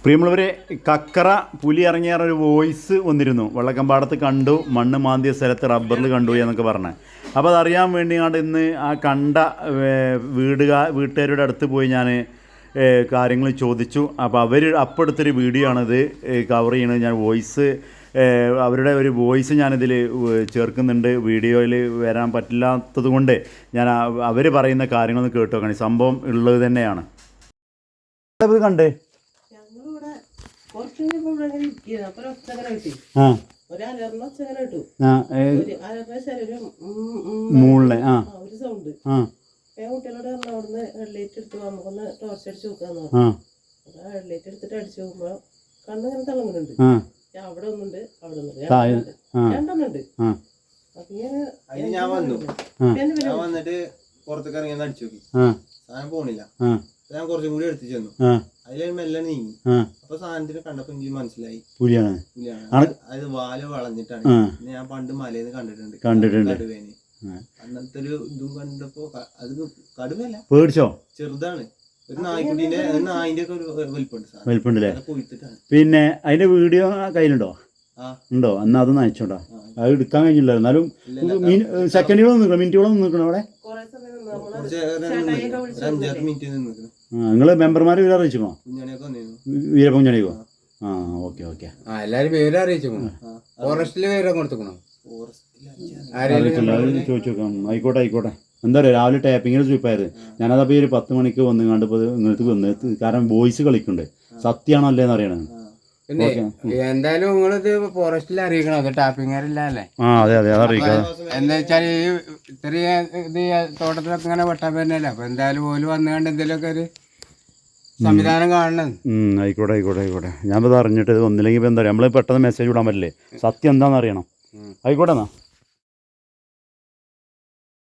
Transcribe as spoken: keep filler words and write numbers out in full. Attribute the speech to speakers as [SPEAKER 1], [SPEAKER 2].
[SPEAKER 1] പ്രിയമുള്ളവരെ, കക്കറ പുലി ഇറങ്ങിയ ഒരു വോയിസ് വന്നിരുന്നു. വെള്ളക്കമ്പാടത്ത് കണ്ടു, മണ്ണ് മാന്തിയ സ്ഥലത്ത് റബ്ബറിൽ കണ്ടു എന്നൊക്കെ പറഞ്ഞത്. അപ്പോൾ അതറിയാൻ വേണ്ടിയാണ് ഇന്ന് ആ കണ്ട വീടുകാ വീട്ടുകാരുടെ അടുത്ത് പോയി ഞാൻ കാര്യങ്ങൾ ചോദിച്ചു. അപ്പോൾ അവർ അപ്പോൾ എടുത്തൊരു വീഡിയോ ആണിത് കവർ ചെയ്യണത്. ഞാൻ വോയിസ് അവരുടെ ഒരു വോയിസ് ഞാനിതിൽ ചേർക്കുന്നുണ്ട്. വീഡിയോയിൽ വരാൻ പറ്റില്ലാത്തത് കൊണ്ട് ഞാൻ അവർ പറയുന്ന കാര്യങ്ങളൊന്ന് കേട്ടു നോക്കണം. സംഭവം ഉള്ളത് തന്നെയാണ്. ഇത് കണ്ടേ മൂളിലെ ആ
[SPEAKER 2] കുട്ടികളോട് പറഞ്ഞു അവിടുന്ന് ഹെഡ്ലൈറ്റ് എടുത്ത് നമുക്കൊന്ന് ടോർച്ച് അടിച്ച് നോക്കാന്ന്. ഹെഡ്ലൈറ്റ് എടുത്തിട്ട് അടിച്ചു നോക്കുമ്പോ കണ്ണിങ്ങനെ തിളങ്ങുന്നുണ്ട്. അവിടെ ഒന്നുണ്ട്, അവിടെ ഒന്നുണ്ട്, രണ്ടെണ്ണുണ്ട്.
[SPEAKER 3] ഞാൻ വന്നു ഞാൻ വന്നിട്ട് പുറത്തേക്ക് ഇറങ്ങി അടിച്ചു നോക്കി, സാധനം പോണില്ല. ഞാൻ കുറച്ചും കൂടി എടുത്തു ചെന്നു, അതിൽ മെല്ലെ നീങ്ങി. അപ്പൊ സാധനത്തിന് കണ്ടപ്പോ എനിക്ക് മനസ്സിലായി പുലിയാണ്. പുലിയാണ് അത് വാല് വളഞ്ഞിട്ടാണ്. ഞാൻ പണ്ട് മലയിന്ന് കണ്ടിട്ടുണ്ട്
[SPEAKER 1] കണ്ടിട്ടുണ്ട്
[SPEAKER 3] കടുവേനെ. അന്നത്തെ ഒരു ഇതും കണ്ടപ്പോ അത് കടുവല്ല,
[SPEAKER 1] പേടിച്ചോ?
[SPEAKER 3] ചെറുതാണ്, ഒരു നായ്ക്കുട്ടീന്റെ നായിന്റെ ഒക്കെ ഒരു വലിപ്പുണ്ട്
[SPEAKER 1] വലിപ്പുണ്ടല്ലേ.
[SPEAKER 3] കൊയ്ത്തിട്ടാണ്.
[SPEAKER 1] പിന്നെ അതിന്റെ വീഡിയോ കയ്യിലുണ്ടോ? ഉണ്ടോ? എന്നാ അത് നയിച്ചോണ്ടാ. അത് എടുക്കാൻ കഴിഞ്ഞില്ല. എന്നാലും സെക്കൻഡുകളൊന്നും നിൽക്കണം, മിനിറ്റുകളൊന്നും നിൽക്കണം അവിടെ.
[SPEAKER 3] അഞ്ചാറ് മിനിറ്റ് നിൽക്കണം.
[SPEAKER 1] നിങ്ങൾ മെമ്പർമാരെ വിവരം അറിയിച്ചോ? വീരപ്പുഞ്ഞണിക്കോ? ആ ഓക്കെ ഓക്കെ.
[SPEAKER 4] എല്ലാരും വിവരം അറിയിച്ചോ? ഫോറസ്റ്റില് വിവരം കൊടുത്തോ?
[SPEAKER 1] ചോദിച്ചു നോക്കാം. ആയിക്കോട്ടെ ആയിക്കോട്ടെ. എന്താ പറയുക, രാവിലെ ടാപ്പിങ്ങിൽ സ്വീപ്പായത്. ഞാനതപ്പോൾ ഈ ഒരു പത്ത് മണിക്ക് വന്ന് കണ്ടപ്പോൾ ഇങ്ങനത്തെ വന്ന്, കാരണം വോയിസ് കളിക്കുന്നുണ്ട്. സത്യമാണോ അല്ലേന്ന് അറിയണത്.
[SPEAKER 4] പിന്നെ എന്തായാലും നിങ്ങളിത് ഫോറസ്റ്റിൽ അറിയിക്കണം. അത് ടാപ്പിങ്ങാരില്ലേ?
[SPEAKER 1] ആ അതെ അതെ, അതറിയിക്കാം.
[SPEAKER 4] എന്താ വെച്ചാൽ ഈ ഇത്രയും ഇത് തോട്ടത്തിലൊക്കെ ഇങ്ങനെ വെട്ടാൻ പറ്റുന്നല്ലേ. അപ്പൊ എന്തായാലും ഓല് വന്നുകൊണ്ട് എന്തെങ്കിലുമൊക്കെ ഒരു സംവിധാനം കാണണം.
[SPEAKER 1] ആയിക്കോട്ടെ ആയിക്കോട്ടെ ആയിക്കോട്ടെ. ഞാനിപ്പോൾ അറിഞ്ഞിട്ട് ഇത് ഒന്നില്ലെങ്കിൽ ഇപ്പം എന്താ പറയുക, നമ്മൾ പെട്ടെന്ന് മെസ്സേജ് വിടാൻ പറ്റില്ലേ, സത്യം എന്താണെന്ന് അറിയണം. ആയിക്കോട്ടെ എന്നാ.